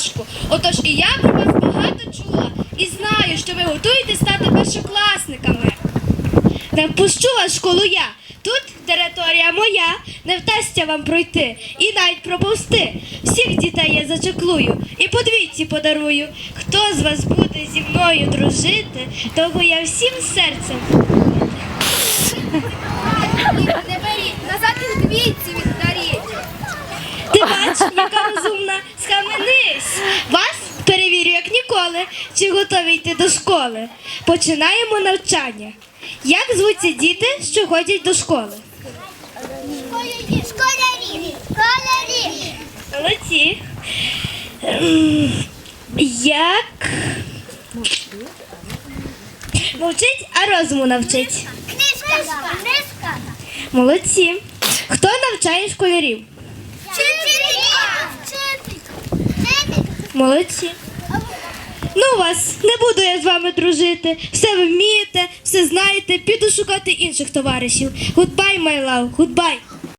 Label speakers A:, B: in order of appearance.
A: важко. Отож і я про вас багато чула і знаю, що ви готуєтесь стати першокласниками. Не впущу вас в школу я. Тут територія моя, не вдасться вам пройти і навіть проповзти. Всіх дітей я зачеклую і по двійці подарую. Хто з вас буде зі мною дружити, того я всім серцем.
B: Не беріть, назад і двійці віддаріть.
A: Ти бач, яка розумна, схаменись. Вас перевірю, як ніколи, чи готові йти до школи. Починаємо навчання. Як звуться діти, що ходять до школи?
B: Школярі.
A: Молодці. Як мовчить, а розуму навчить.
B: Книжка.
A: Молодці. Хто навчає школярів? Молодці. Ну вас, не буду я з вами дружити. Все ви вмієте, все знаєте, піду шукати інших товаришів. Goodbye, my love, goodbye.